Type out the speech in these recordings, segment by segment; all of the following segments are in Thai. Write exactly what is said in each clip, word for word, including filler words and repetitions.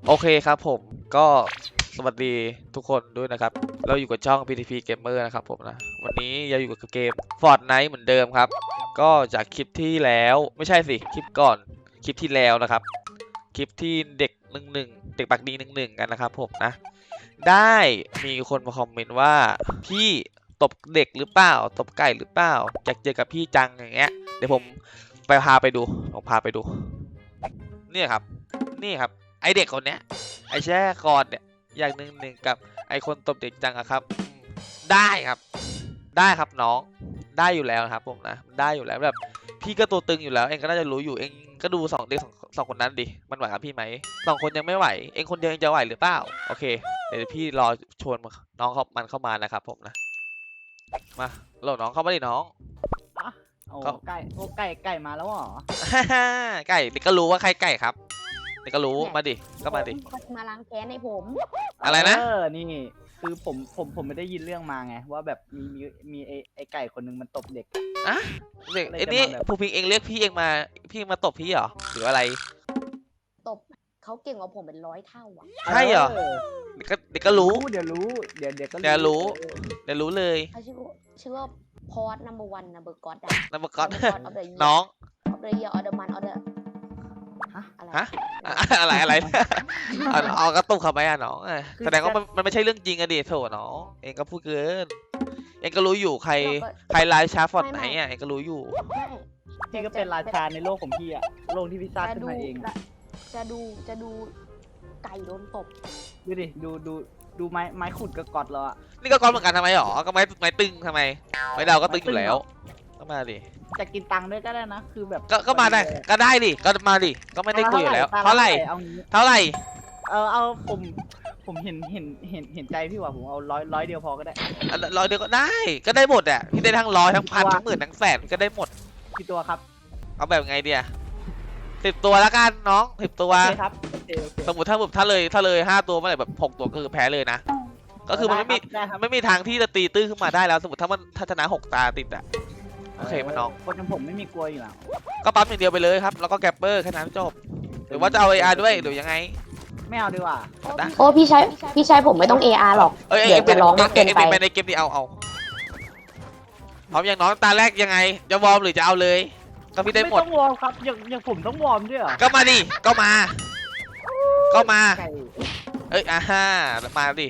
โอเคครับผมก็สวัสดีทุกคนด้วยนะครับเราอยู่กับช่อง พี ที พี Gamer นะครับผมนะวันนี้เราอยู่กับเกม Fortnite เหมือนเดิมครับก็จากคลิปที่แล้วไม่ใช่สิคลิปก่อนคลิปที่แล้วนะครับคลิปที่เด็กหนึ่งหนึ่งเด็กปากดีหนึ่งหนึ่งกันนะครับผมนะได้มีคนมาคอมเมนต์ว่าพี่ตบเด็กหรือเปล่าตบไก่หรือเปล่าอยากเจอกับพี่จังอย่างเงี้ยเดี๋ยวผมไปพาไปดูผมพาไปดูนี่ครับนี่ครับไอเด็กคนเนี้ยไอแช่คอนเนี่ยอย่างหนึ่งหนึ่งกับไอคนตบเด็กจังอะครับได้ครับได้ครับน้องได้อยู่แล้วครับผมนะได้อยู่แล้วแบบพี่ก็ตัวตึงอยู่แล้วเองก็น่าจะรู้อยู่เองก็ดูสองเด็กสองสองคนนั้นดิมันไหวกับพี่ไหมสองคนยังไม่ไหวเองคนเดียวเองจะไหวหรือเปล่าโอเคเดี๋ยวพี่รอชวนน้องเขามันเข้ามานะครับผมนะมาโหลดน้องเข้ามาดิน้องอ่ะโอ้ก็ไก่โอ้ไก่ไก่มาแล้วเหรอไก่เด็กก็รู้ว่าใครไก่ครับเด็กก็รู้มาดิก็มาดิเขาจะมาล้างแค้นในผมอะไรนะเออนี่คือผมผมผมไม่ได้ยินเรื่องมาไงว่าแบบมีมีมีไอไอไก่คนนึงมันตบเด็กอะเด็กอะไรไอ้จะนี่มาแบบภูพิงเองเรียกพี่เองมาพี่มาตบพี่เหรอหรืออะไรตบเขาเก่งกว่าผมเป็นร้อยเท่าอ่ะใช่เหรอ เด็กก็เด็กก็รู้เดี๋ยวรู้เดี๋ยวเดี๋ยวก็เดี๋ยวรู้เออเดี๋ยวรู้เลยเขาชื่อว่าชื่อว่าพอร์ตนัมเบอร์วันนัมเบอร์ก็อดอะนัมเบอร์ก็อด Number God of the year น้องออฟเดอะเยียร์ออเดอร์มันออเดอร์ฮะอะไรฮะ อะไรอะไรเอาเอากระตุกเข้าไปอ่ะน้องอ่ะแสดงว่ามันมันไม่ใช่เรื่องจริงอะดิโถน้องเองก็พูดเกินเองก็รู้อยู่ใครใครไลน์ชาร์ฟอร์ดไหนอ่ะเองก็รู้อยู่ไม่พี่ก็เป็นราชาในโลกของพี่อะโลกที่พี่สร้างจะขึ้นดูมาเองจะดูจะดูไก่โดนตบดูดิดูดูดูไม้ไม้ขุดกับกอดเราอะนี่ก็ก้อนเหมือนกันทำไมหรอก็ไม้ไม้ตึงทำไมไม้ดาวก็ตึงอยู่แล้วก็มาดิจะกินตังค์ด้วยก็ได้นะคือแบบก็ก็มาได้ก็ได้ดิก็มาดิก็ไม่ได้คุยอยู่แล้วเท่าไหร่เอางี้เท่าไหร่เออเอาผมผมเห็นเห็นเห็นเห็นใจพี่ว่าผมเอาร้อยร้อยเดียวพอก็ได้อ่ะร้อยเดียวก็ได้ก็ได้หมดอ่ะพี่ได้ทั้งร้อยทั้งพันทั้งหมื่นทั้งแสนก็ได้หมดกี่ตัวครับเอาแบบไงเดียสิบตัวแล้วกันน้องสิบตัวโอเคครับโอเคโอเคสมมติถ้าแบบถ้าเลยถ้าเลยห้าตัวเมื่อไหร่แบบหกตัวก็คือแพ้เลยนะก็คือมันไม่มีได้ครับไม่มีทางที่จะตีตื้นขึ้นมาได้แล้วสมมติถ้ามันถ้าชนะหกตาติดอ่ะโอเคไหมน้องคนอย่างผมไม่มีกลัวอยู่แล้วก็ปั๊มอย่างเดียวไปเลยครับแล้วก็แกปเปอร์แค่นั้นจบหรือว่าจะเอา เอ อาร์ ด้วยหรือยังไงไม่เอาดีกว่าได้โอ้พี่ชายพี่ชายผมไม่ต้อง เอ อาร์ หรอกเอ้ยเดี๋ยวจะร้องมากเกินไปเอ็งในเกมนี้เอาเอาพร้อมอย่างน้องตาแรกยังไงจะวอร์มหรือจะเอาเลยก็พี่ได้หมดต้องวอร์มครับอย่างอย่างผมต้องวอร์มด้วยเหรอก็มาดิก็มา ก็มาไก่เอ้ยอ่าฮ่ามาดิ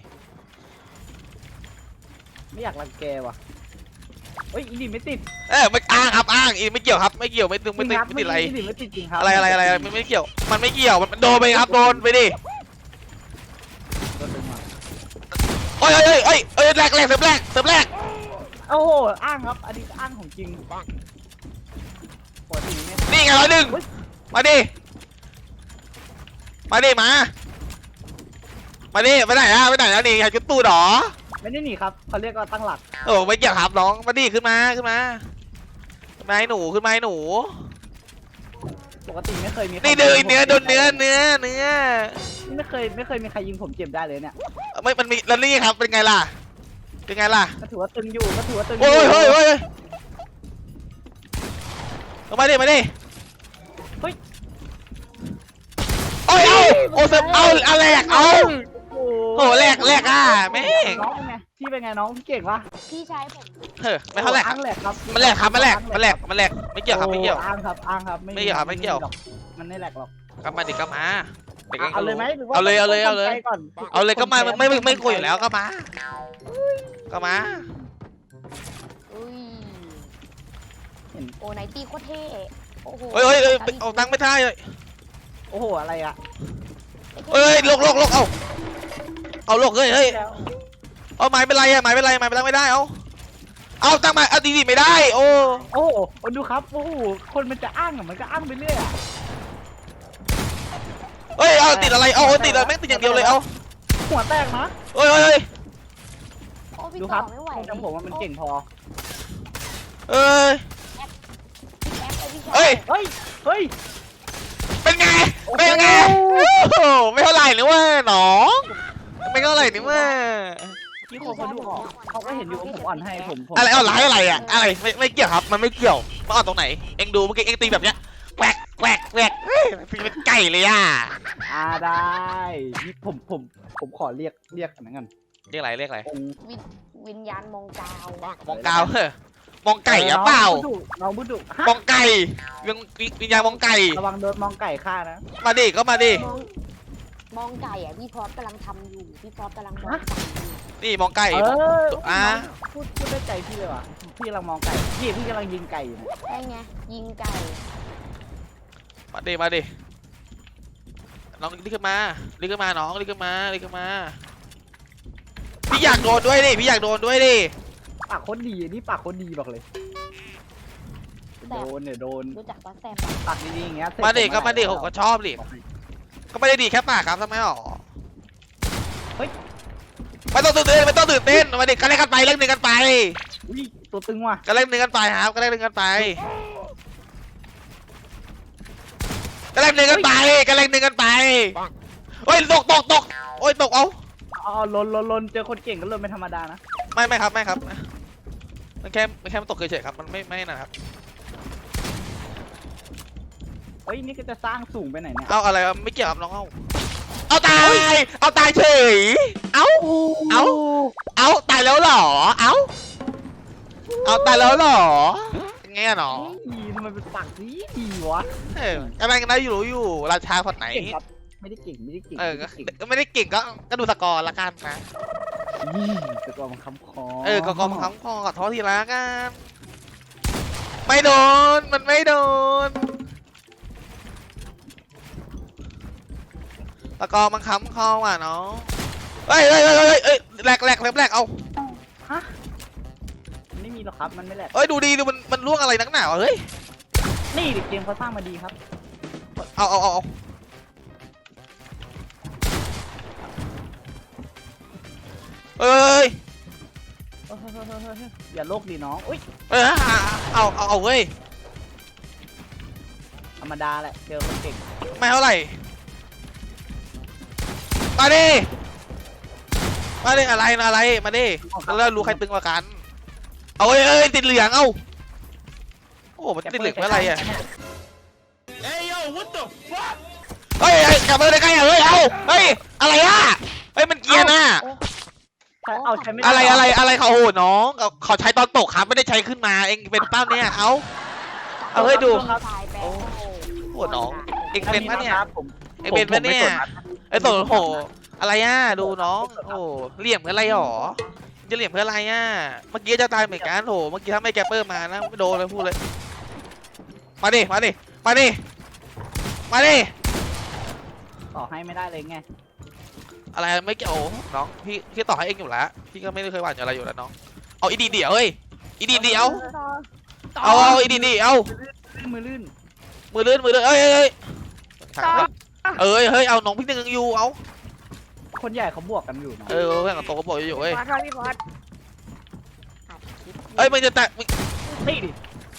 ไม่อยากรังแกว่ะเฮ้ยอีดิไม่ติดเอ้ยไม่อ้างครับอ้างอีไม่เกี่ยวครับไม่เกี่ยวไม่ตึงไม่ตึงครับไม่ติดอะไรอีดิไม่ติดจริงครับอะไรอะไรอะไรไม่ไม่เกี่ยวมันไม่เกี่ยวมันโดนไปครับโดนไปดิโดนดึงมาโอ้ยเอ้ยเอ้ยเอ้ยแรกแรกเสิร์ฟแรกเสิร์ฟแรกโอ้โหอ้างครับอันนี้อ้างของจริงปกติเนี่ยนี่ไงร้อยหนึ่งมาดิมาดิมามาดิไปไหนอะไปไหนแล้วนี่อยากจุดตู้หรอไม่ได้หนีครับเขาเรียกว่าตั้งหลักโอ้ไม่เกี่ยวครับน้องมาดิขึ้นมาขึ้นมาขึ้นมาให้หนูขึ้นมาให้หนูปกติไม่เคยมีใครนี่เดินยิงผมเนื้อโดนจ็เนื้อบได้เนื้อเนื้อไม่เคยไม่เคยมีใครยิงผมเจ็บได้เลยเนี่ยไม่มันมีแล้วนี่ครับเป็นไงล่ะเป็นไงล่ะก็ถือว่าตึงอยู่ก็ถือว่าตึงอโอ้ยู่ยเฮ้ยเฮ้ยเอามาดิมาดิเฮ้ยโอ้ยเอาโอ้เสิร์ฟเอาเอาแหลกเอาโอ้โอ้แหลกแหลกอ่ะแม่งน้องเป็นไงพี่เป็นไงน้องพี่เก่งปะพี่ชายผมเฮ้ยไม่เท่าแหลกอ้างแหลกครับมันแหลกครับมันแหลกมันแหลกมันแหลกไม่เกี่ยวครับไม่เกี่ยวโอ้อ้างครับอ้างครับไม่เกี่ยวครับไม่เกี่ยวหรอมันไม่แหลกหรอกก็มาดิก็มาเด็กเอาเลยไหมหรือว่าเอาเลยเอาเลยเอาเลยต้องทำใจก่อนเอาเลยก็มาไม่ไม่ไม่คุยอยู่แล้วก็มาก็มาอุ้ยเห็นโอ้ไนตี้โคตรเท่โอ้โหเฮ้ยเฮ้ยเฮ้ยเอาตังค์ไม่ได้เลยโอ้โหอะไรอะเฮ้ยลกลกลกเอาเอาลกเฮ้ยเฮ้ยแล้วเอาไม้เป็นไรอะไม้เป็นไรไม้เป็นไรไม่ได้เอาเอาตังค์มาเอาดีดีไม่ได้โอ้โอ้โหดูครับโอ้โหคนมันจะอ้างอะมันก็อ้างไปเรื่อยอะเฮ้ยเอาติดอะไรเอาติดอะไรแม่งติดอย่างเดียวเลยเอาหัวแตกนะเฮ้ยเฮ้ยเฮ้ยโอ้พี่ดูคต่รัอบ ไม่ไหวจำผมว่ามันเก่งพอเอ้ยเอ้ยพี่ชายเฮ้ยเฮ้ยเฮ้ยเป็นไงเป็นไงโอ้โหไม่เท่าไหร่นี่ว่าน้องไม่เท่าไหร่นี่ว่าพี่คนเขาดูออกเขาก็เห็นอยู่ว่าผมอ่อนให้ผมผมอะไรเอาร้ายอะไรอะอะไรไม่ไม่เกี่ยวครับมันไม่เกี่ยวมาเอาตรงไหนเอ็งดูเมื่อกี้เอ็งตีแบบเนี้ยแปลกแปแหวกแหวกเฮ้ยพี่เป็นไก่เลยอ่ะอ่าได้นี่ผมผมผมขอเรียกเรียกอันนั้นกันเรียกอะไรเรียกอะไรองค์วิญวิญญาณมองกาวมองกาวเฮ้ยมองไก่อะเปล่าน้องบุดุฮะมองไก่ยังวิญญาณมองไก่ระวังโดนมองไก่ฆ่านะมาดิก็มาดิมองมองไก่อ่ะพี่พอสกำลังทำอยู่พี่พอสกำลังมองไก่อยู่นี่มองไก่เอออ่ะพูดพูดได้ใจพี่เลยว่ะพี่กำลังมองไก่พี่พี่กำลังยิงไก่อยู่นะใช่ไงยิงไก่มาดิมาดิน้องรีบขึ้นมารีบขึ้นมาน้องรีบขึ้นมารีบขึ้นมาพี่อยากโดนด้วยดิพี่อยากโดนด้วยดิปากโคตรดีนี่ปากโคตรดีบอกเลยแบโดบนเนี่ยโดนรู้จักปะแซมปากดีๆอย่างเงี้ยเสร็จมาดิผก็มาดิไไหวผมก็ชอบดิก็ไม่ได้ดีแค่ปากครับทำไมหรอเฮ้ยไม่ต้องตื่นเต้นไม่ต้องตื่นเต้นมาดิก็เล่นกันไปเล่นหนึ่งกันไปอุ้ยตัวตึงว่ะก็เล่นหนึ่งกันไปครับก็เล่นหนึ่งกันไปก็เล่นหนึ่งกันไปก็เล่นหนึ่งกันไปเฮ้ยตกตกตกโอ้ยตกเอาอ๋อลนลนลนเจอคนเก่งก็ลนเป็นธรรมดานะไม่ไม่ครับไม่ครับมันแค่มันแค่มันตกเฉยๆครับมันไม่ไม่นะครับเฮ้ยนี่ก็จะสร้างสูงไปไหนเนี่ยเอาอะไรวะไม่เกี่ยวกับน้องเอาเอาตายเอาตายเฉยเอา เอา เอาตายแล้วเหรอเอาเอาตายแล้วเหรอไงอะน้องเฮ้ยทำไมเป็นปากดีดีวะเอออะไรกันได้อยู่รู้อยู่ราชาพอดไหนเก่งครับไม่ได้เก่งไม่ได้เก่งเออก็ไม่ได้เก่งก็ไม่ได้เก่งก็ก็ดูสกอร์ละกันนะยี่แต่ก็มันคำคอเออก็กองคำคอขอโทษทีละกันไม่โดนมันไม่โดนตะกอมันค้ำคอว่ะน้องเฮ้ยเฮ้ยเฮ้ยเฮ้ยเฮ้ยแหลกแหลกแหลกแหลกเอาฮะมันไม่มีหรอกครับมันไม่แหลกเฮ้ยดูดีดูมันมันล่วงอะไรนักหนาวะเฮ้ยนี่ดิเกมเขาสร้างมาดีครับเอาเอาเอาเอาเอ้ยเฮ้ยเฮ้ยเฮ้ยเฮ้ยเฮ้ยอย่าโลกดีน้องอุ้ยเอ้ยเอาเอาเอาเว้ยธรรมดาแหละเจอคนเก่งไม่เท่าไหร่มาดิมาดิอะไรนะอะไรมาดิแล้วรู้ใครตึงกว่ากันเอาเอ้ยเอ้ยติดเหลืองเอ้าโอ้มันติดเหลืองเมื่อไรอะเฮ้ยเฮ้ยกลับมาได้ไงอะเฮ้ยเอาเฮ้ยอะไรอะเฮ้ยมันเกียร์น่ะใช้เอาใช้ไม่ได้อะไรอะไรอะไรเขาโหน้องเขาเขาใช้ตอนตกครับไม่ได้ใช้ขึ้นมาเองเป็นเป้าเนี่ยเอาเอาเฮ้ยดูครับตายไปโอ้ โหน้องเองอัเป็นปะเนี่ยครับผมเองเป็นปะเนี่ยผมไม่กดะไอ้ตัวโหอะไรอ่ะดูน้องโอ้เหลี่ยมเพื่ออะไรหรอจะเหลี่ยมเพื่ออะไรอ่ะเมื่อกี้จะตายเหมือนกันโหเมื่อกี้ถ้าไม่แกปเปอร์มานะไม่โดนเลยพูดเลยมาดิมาดิมาดิมาดิต่อให้ไม่ได้เลยไงอะไรไม่เกี่ยวน้องพี่พี่ต่อให้เองอยู่แล้วพี่ก็ไม่ได้เคยหวั่นอะไรอยู่แล้วน้องเอาอีดีเดียวเฮ้ยอีดีเดียวเอาเอาอีดีเดียวมือลื่นมือลื่นมือลื่นเอ้ยเอ้ยเอ้ยเอ้ยเฮ้ยเอาน้องพี่หนึ่งอยู่เอาคนใหญ่เขาบวกกันอยู่นะเออเพื่อนกับโตก็บอกอยู่เอ้ยพอสครับพี่พอสเอ้ยมึงจะแตะมึงนี่ดิ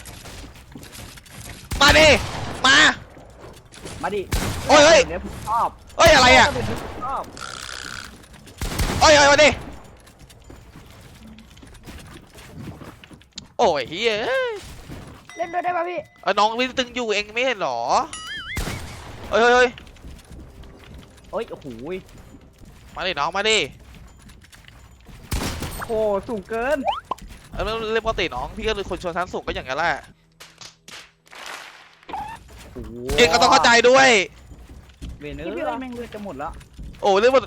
มาดิมามาดิโอ้ยเฮ้ยเดี๋ยวผมชอบเอ้ยอะไรอ่ะเดี๋ยวผมชอบโอ้ยโอ้ยมาดิโอ้ยเฮ้ยเล่นด้วยได้ป่ะพี่เออน้องพี่ตึงอยู่เองไม่เห็นหรอเฮ้ยเฮ้ยเฮ้ยเฮ้ยโอ้โหมาดิน้องมาดิโหสูงเกินเออเล่นปกติน้องพี่ก็เป็นคนชนชั้นสูงก็อย่างนั้นแหละโอ้โหเองก็ต้องเข้าใจด้วยเวนเอ้ยแม่งเลือดจะหมดแล้วโอ้เล่นหมด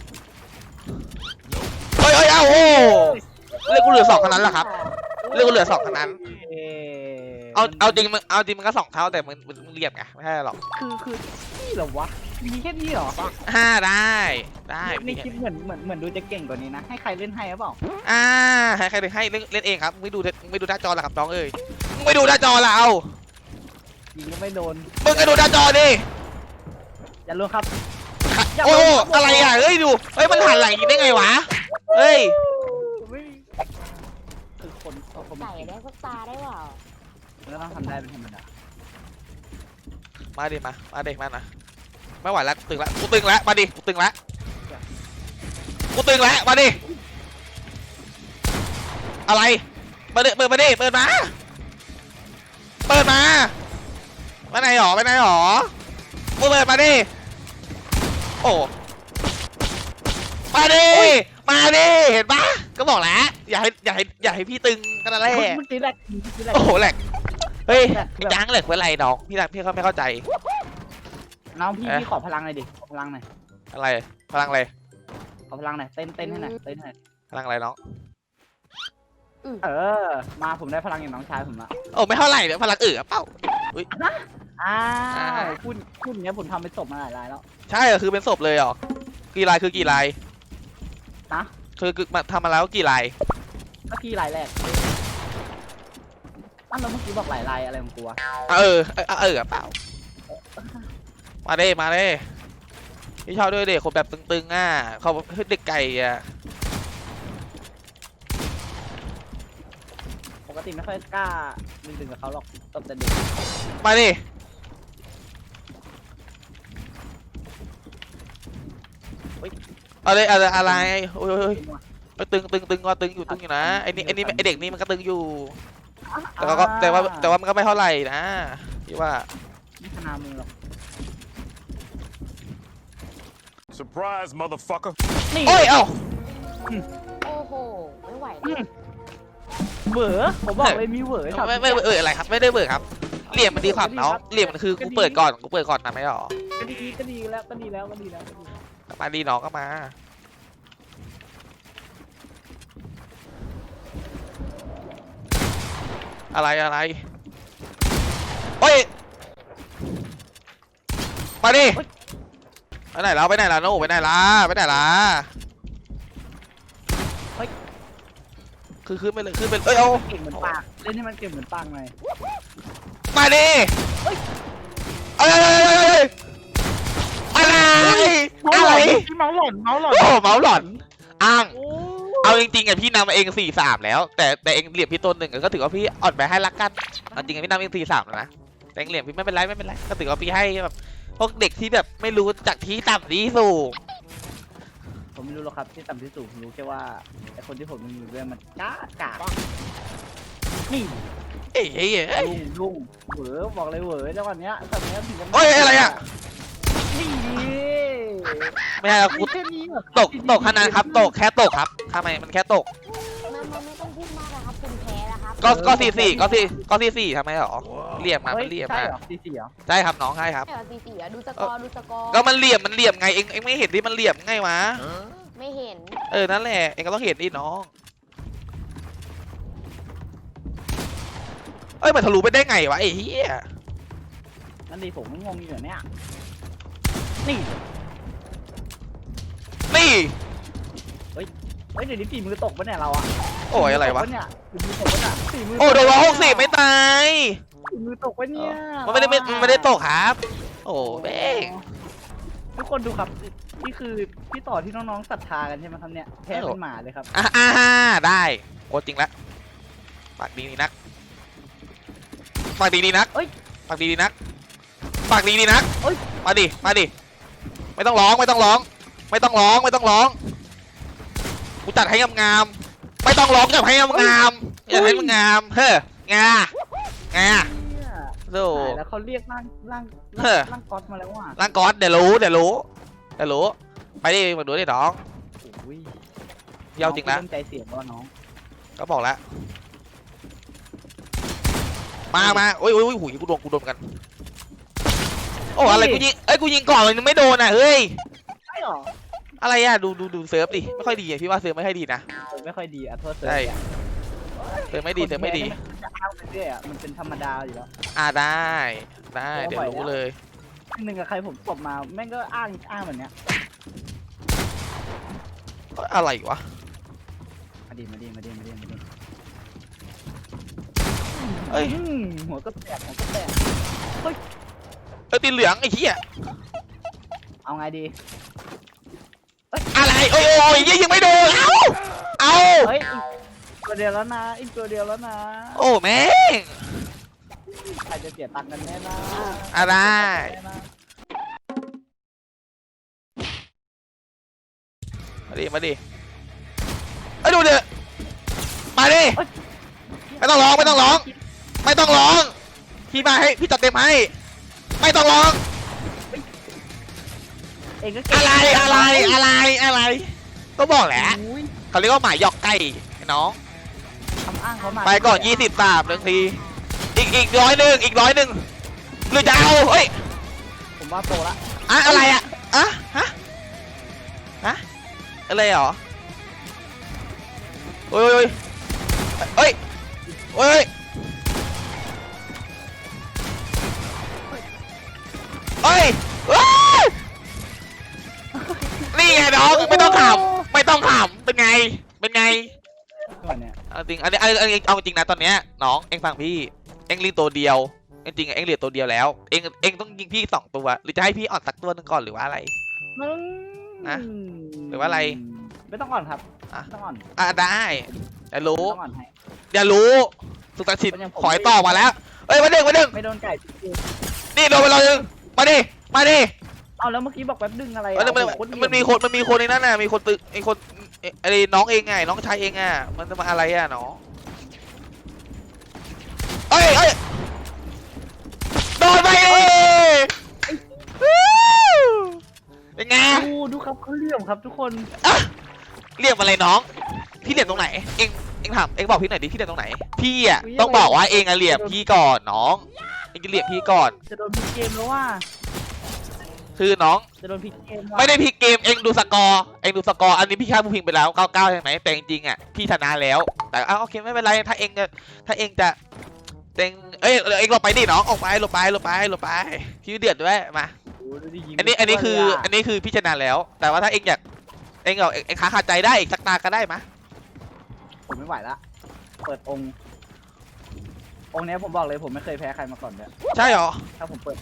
เฮ้ยเฮ้ยเอ้าโอ้เล่นกูเหลือสองเท่านั้นแหละครับเล่นกูเหลือสองเท่านั้นเอ่อเอามันเอาจริงมึงเอาจริงมันก็สองเท่าแต่มึงมึงมึงเรียบไงไม่ใช่หรอกคือคือนี่เหรอวะมีแค่นี้เหรอห้าได้ได้ในคลิปเหมือนเหมือนเหมือนดูจะเก่งกว่านี้นะให้ใครเล่นให้หรือเปล่าอ่าให้ใครให้เล่นเล่นเองครับไม่ดูไม่ดูหน้าจอละครับน้องเอ้ยมึงไม่ดูหน้าจอละเอายิงก็ไม่โดนมึงก็ดูหน้าจอดิอย่าลงครับโอ้อะไรอ่ะเฮ้ยดูเฮ้ยมันหันหลังอย่างนี้ได้ไงวะเฮ้ยไม่คือคนเขาคนไก่ได้สักตาได้เปล่ามันก็ต้องทำได้เป็นธรรมดามาดิมามาดิมานะไม่ไหวแล้วตึงแล้วกูตึงแล้วมาดิกูตึงแล้วกูตึงแล้วมาดิอะไรมาดิเปิดมาดิเปิดมาเปิดมาไปไหนหรอไปไหนหรอมึงเปิดมาดิโอ้มาดิมาดิเห็นปะก็บอกแล้วอย่าให้อย่าให้อย่าให้พี่ตึงกันนั่นแหละเมื่อกี้แหลกเมื่อกี้แหลกโอ้โหแหลกเฮ้ยแหลกพี่จังแหลกเป็นไรน้องพี่รักพี่เขาไม่เข้าใจน้องพี่เอ๊ะพี่ขอพลังหน่อยดิขอพลังหน่อยอะไรพลังอะไรขอพลังหน่อยเต้นเต้นให้หน่อยเต้นให้หน่อยพลังอะไรน้องเออ มาผมได้พลังอย่างน้องชายผมละโอ้ไม่เท่าไหร่เดี๋ยวพลังเอือเป้าอ้าอ่าวพูดพูดอย่างเงี้ยผมทำไปตบมาหลายรายแล้วใช่เหรอคือเป็นศพเลยเหรอกี่ลายคือกี่ลายนะคือคือมาทำมาแล้วกี่ลายเมื่อกี้รายแรกอ้าวแล้วเมื่อกี้บอกหลายรายอะไรของกูวะเออเออเออเปล่ามาเด้มาเด้พี่ชอบด้วยเด็กคนแบบตึงๆอ่ะเขาเด็กไก่อ่ะปกติไม่ค่อยกล้าดึงๆกับเขาหรอกตบแต่เด็กมาดิอะไรอะไรอะไรโอ้ยโอ้ยโอ้ยตึงตึงตึงก็ตึงอยู่ตึงอยู่นะไอ้นี่ไอ้นี่ไอ้เด็กนี่มันก็ตึงอยู่แต่ก็แต่ว่าแต่ว่ามันก็ไม่เท่าไหร่นะพี่ว่าไม่ขนาดมือหรอก Surprise, motherfucker. นี่โอ้ยเอ้าโอ้โหไม่ไหวอืแล้วมเหวอผมบอกเลยมีเหวอช็อตไม่ไม่เอออะไรครับไม่ได้เบิกครับเหลี่ยมมันดีกว่าน้องเหลี่ยมมันคือกูเปิดก่อนกูเปิดก่อนนะไม่หรอก็ดีก็ดีแล้วก็ดีแล้วก็ดีแล้วก็ดีแล้วมาดีน้องก็มาอะไรอะไรโอ้ยมาดิไปไหนแล้วไปไหนล่ะโน่ไปไหนล่ะไปไหนล่ะคือขึ้นไปเลยขึ้นไปเอ้ยเอาเก่งเหมือนปากเล่นให้มันเก่งเหมือนปากหน่อยมาดิเอ้ยเอ้ยเอ้ยเอ้ยอะไรอะไรพี่เมาหล่อนเมาหล่อนโอ้เมาส์หลอนอ้างโอ้เอาจริงๆอ่ะพี่นำเองสี่สามแล้ว แต่แต่เองเหลี่ยมพี่ต้นหนึ่งก็ถือว่าพี่อ่อนไปให้ละกันเอาจริงๆพี่นำเองสี่สามแล้วนะแต่เองเหลี่ยมพี่ไม่เป็นไรไม่เป็นไรก็ถือว่าพี่ให้แบบพวกเด็กที่แบบไม่รู้จากที่ต่ำที่สูงผมไม่รู้หรอกครับที่ต่ำที่สูงผมรู้แค่ว่าไอคนที่ผมอยู่ด้วยมันกล้ากานี่เอ้ยเอ้ยเอ้ยลุงลุงเหวอบอกเลยเหวอจังหวะเนี้ยตอนเนี้ยถึงจะโอ้ยอะไรอ่ะนี่ไม่ใช่ครับกูแค่นี้เหรอตกตกขนาดครับตกแค่ตกครับทำไมมันแค่ตกมันมันไม่ต้องพูดมากนะครับคุณแพ้นะครับก็ก็สี่สี่ก็สี่ก็สี่สี่ทำไมหรอเหลี่ยมมาฮ้มันเหลี่ยมใช่มาเหรอสี่สี่เหรอใช่ครับน้องใช่ครับไม่เอาซีซีอะดูสกอร์ดูสกอร์ก็มันเหลี่ยมมันเหลี่ยมไงเองเองไม่เห็นที่มันเหลี่ยมไงวะไม่เห็นเออนั่นแหละเองก็ต้องเห็นดิน้องเอ้ยมันทะลุไปได้ไงวะไอ้เหี้ยนั่นดิผมก็งงอยู่เนี่ยนี่นี่เฮ้ยเดี๋ยวนี้ฝีมือตกปะเนี่ยเราอะโอ้ยอะไรวะฝีมืตกปเนี่ยฝีมือตกปะเนี่ยฝีมือโอ้โดนร้อยหกสิบไม่ตายฝีมือตกปะเนี่ยมันไม่ได้ไม่มันไม่ได้ตกครับ โอ้แม่งทุกคนดูครับนี่คือพี่ต่อที่น้องๆศรัทธากันใช่ไหมครับเนี่ยแพ้เป็นหมาเลยครับอ่าอ่าได้โอ้จริงละปากดีนี่นักปากดีดีนักเอ้ยปากดีดีนักปากดีดีนักเอ้ยมาดิมาดิไม่ต้องร้องไม่ต้องร้อง ไม่ต้องร้องไม่ต้องร้องกูจัดให้งามๆไม่ต้องร้องจัดให้งามๆจัดให้มันงามเฮ้องางาเนี่ยโธ่ตายแล้วเขาเรียกร่างร่างเฮ้อร่างก๊อตมาแล้วว่ะร่างก๊อตเดี๋ยวรู้เดี๋ยวรู้เดี๋ยวรู้ไปดิมาดูดิน้องโอ้ยเยาวจริงละน้อเริ่มใจเสียแล้วน้องก็บอกแล้วมามาโอ้ยโอ้ยโอ้ยหูยกูโดนกูโดนกันโอ้อะไรกูยิงเอ้ยกูยิงก่อนเลยนึงไม่โดนอ่ะเฮ้ยใช่หรออะไรอ่ะดูดูดูเซิร์ฟดิไม่ค่อยดีอ่ะพี่ว่าเซิร์ฟไม่ค่อยดีนะเออไม่ค่อยดีอ่ะโทษเสใช่เซิร์ฟไม่ดีเซิร์ฟไม่ดีมันจะอ้าวไปเรื่อยอ่ะมันเป็นธรรมดาอยู่แล้วอ่าได้ได้โอ้เดี๋ยวไหวรู้แล้วเลยหนึ่งกับใครผมตบมาแม่งก็อ้างอ้างแบบเนี้ยอะไรวะมาดีมาดีมาดีมาดีมาดีเอ้ยอืมหัวก็แตกหัวก็แตกเอ้ยตีเหลืองไอ้เหี้ยเอาไงดีอะไรโอ้ยโอ้ยยังไม่โดนเอ้าเอาเฮ้ยอีกตัวเดียวแล้วนะอีกตัวเดียวแล้วนะโอ้แม่งใครจะเสียตังค์กันแน่นะอ่ะได้แน่นะมาดิมาดิไอ้ยดูเดี๋ยวมาดิ ไม่ต้องร้องไม่ต้องร้อง ไม่ต้องร้องพี่มาให้พี่จัดเต็มให้ไม่ต้องร้องเองก็เก่งอะไรอะไรอะไรอะไรก็บอกแหละอุ้ยเขาเรียกว่าหมาหยอกไก่ไอ้น้องคำอ้างเขามาไปก่อนยี่สิบสามหนึ่งทีอีกอีกร้อยหนึ่งอีกร้อยหนึ่งหรือจะเอาเฮ้ยผมว่าโปรละอะอะไรอะอะฮะฮะอะไรหรอโอ้ยโอ้ยโอ้ยโอ้ยโอ้ยนี่ไงน้องไม่ต้องขำไม่ต้องขำเป็นไงเป็นไงก่อนเนี่ยเอาจริงอันนี้อันนี้เอาจริงนะตอนเนี้ยน้องเอ็งฟังพี่เอ็งรีตัวเดียวจริงๆเอ็งเหลือตัวเดียวแล้วเอ็งเอ็งต้องยิงพี่สองตัวหรือจะให้พี่อ่อนสักตัวหนึ่งก่อนหรือว่าอะไรมึงนะหรือว่าอะไรไม่ต้องอ่อนครับอ่ะไม่ต้องอ่อนอ่ะได้อย่ารู้ไม่ต้องอ่อนให้อย่ารู้สุตชินมันยังผมขอยต่อมาแล้วเอ้ยมาดึงมาดึงไม่โดนไก่จริงนี่โดนไปเลยนึงมาดิมาดิๆเอาแล้วเมื่อกี้บอกแป๊บดึงอะไรมันอ่ะมันโอ้โหโตรมันมีคนมันมีคนในนั้นน่ะมีคนตึกไอ้คนไอ้น้องเองไงน้องชายเองอ่ะมันจะมาอะไรอ่ะน้องเอ้ยเอ้ยโดนไปดิเป็นไงดูดูครับเขาเหลี่ยมครับทุกคนอ่ะเรียกอะไรน้องพี่เหลี่ยมตรงไหนเองเองถามเองบอกพี่หน่อยดิพี่เหลี่ยมตรงไหนพี่อ่ะต้องบอกว่าเองอะเหลี่ยมพี่ก่อนน้องเองจะเหลี่ยมพี่ก่อนจะโดนพลิกเกมแล้วว่าคือน้องจะโดนพลิกเกมว่ะไม่ได้พลิกเกมเองดูสกอร์เองดูสกอร์อันนี้พี่ค่าผู้พิงไปแล้วเก้าเก้าใช่ไหมแต่จริงๆอ่ะพี่ชนะแล้วแต่อ้าวโอเคไม่เป็นไรถ้าเองจะถ้าเองจะเองเอ้ยเองหลบไปดิน้องออกไปหลบไปหลบไปหลบไปพี่เดือดด้วยมาโอ้โหดูดิยิงอันนี้อันนี้คือเลยะอันนี้คือพี่ชนะแล้ว แต่ว่าถ้าเองอยากเองเอาเองเองขาขาดใจได้อีกสักตาก็ได้มะผมไม่ไหวละเปิดองค์องค์เนี้ยผมบอกเลยผมไม่เคยแพ้ใครมาก่อนเลยใช่หรอถ้าผมเปิด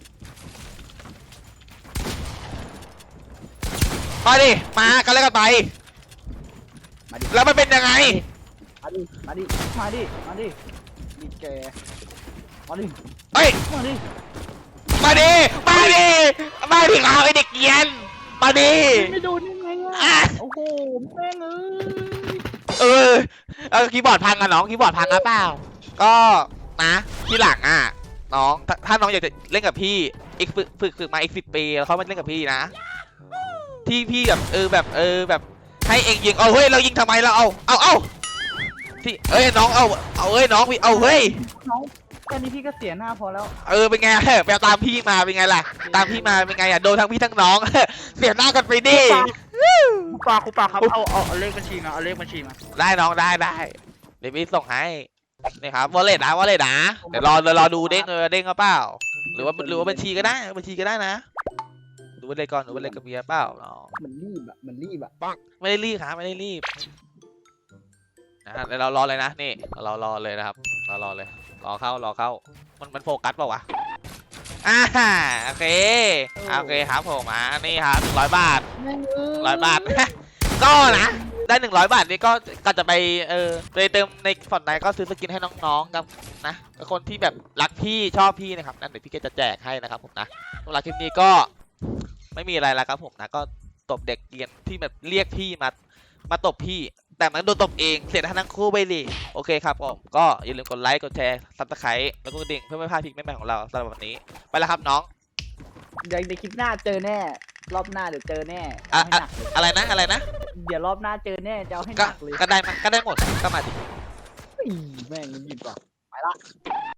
มาดิมากันแล้วกันไปมาดิแล้วมันเป็นยังไงมาดิมาดิมาดิมาดิดิแกมาดิเฮ้ยมาดิมาดิมาดิมาดิเอาไอเด็กเกรียนมาดิไม่โดนยังไงอ่ะอ่ะโอ้โหแม่งเอ้ยเออเออคีย์บอร์ดพังอะน้องคีย์บอร์ดพังอะเปล่าก็นะที่หลังอะน้องถ้าถ้าน้องอยากจะเล่นกับพี่อีกฝึกฝึกฝึกมาอีกสิบปีแล้วเขามาเล่นกับพี่นะ ที่พี่แบบเออแบบเออแบบให้เองยิงเอาเฮ้ยเรายิงทำไมเราเอาเอาเอาที่เอ้ยน้องเอาเอาเอ้ยน้องพี่เอาเฮ้ยน้องแค่นี้พี่ก็เสียหน้าพอแล้วเออเป็นไงไปเอาตามพี่มาเป็นไงล่ะตามพี่มาเป็นไงอะโดนทั้งพี่ทั้งน้อง เสียหน้ากันไปดิครูปาครูปาครับเอาเอาเอาเลขบัญชีมาเอาเลขบัญชีมาได้น้องได้ได้เดี๋ยวพี่ส่งให้นี่ครับวอลเล็ตนะวอลเล็ตนะเดี๋ยวรอเดี๋ยวรอดูเด้งเออเด้งก็เปล่าหรือว่าหรือว่าบัญชีก็ได้บัญชีก็ได้นะดูวอลเล็ตก่อนดูวอลเล็ตกับเมียเปล่าน้องมันรีบอะมันรีบอะไม่ได้รีบครับไม่ได้รีบนะเดี๋ยวเรารอเลยนะนี่เรารอเลยนะครับเรารอเลยรอเข้ารอเข้ามันมันโฟกัสเปล่าวะอ่าโอเคโอเคครับผมอ่ะนี่ครับหนึ่งร้อยบาท ร้อยบาท ก็นะได้หนึ่งร้อยบาทนี่ก็ก็จะไปเออไปเติมในฟอนต์ไหนก็ซื้อสกินให้น้องๆกับนะกับคนที่แบบรักพี่ชอบพี่นะครับนั่นเดี๋ยวพี่ก็จะแจกให้นะครับผมนะสำหรับคลิปนี้ก็ไม่มีอะไรแล้วครับผมนะก็ตบเด็กเกรียนที่แบบเรียกพี่มามาตบพี่ แต่มันโดนตบเองเสียทั้งคู่ไปดิโอเคครับผมก็อย่าลืมกดไลค์กดแชร์ซับสไครต์แล้วก็กระดิ่งเพื่อไม่พลาดคลิปใหม่ๆของเราสำหรับวันนี้ไปแล้วครับน้องเดี๋ยวในคลิปหน้าเจอแน่ รอบหน้าเดี๋ยวเจอแน่อะเอาให้อะหนักเลยอะไรนะอะไรนะเดี๋ยวรอบหน้าเจอแน่จะเอาให้หก็นักเลยก็ได้มาก็ได้หมดก็มาดิเฮ้ยแม่งมันหยิบว่ะไปละ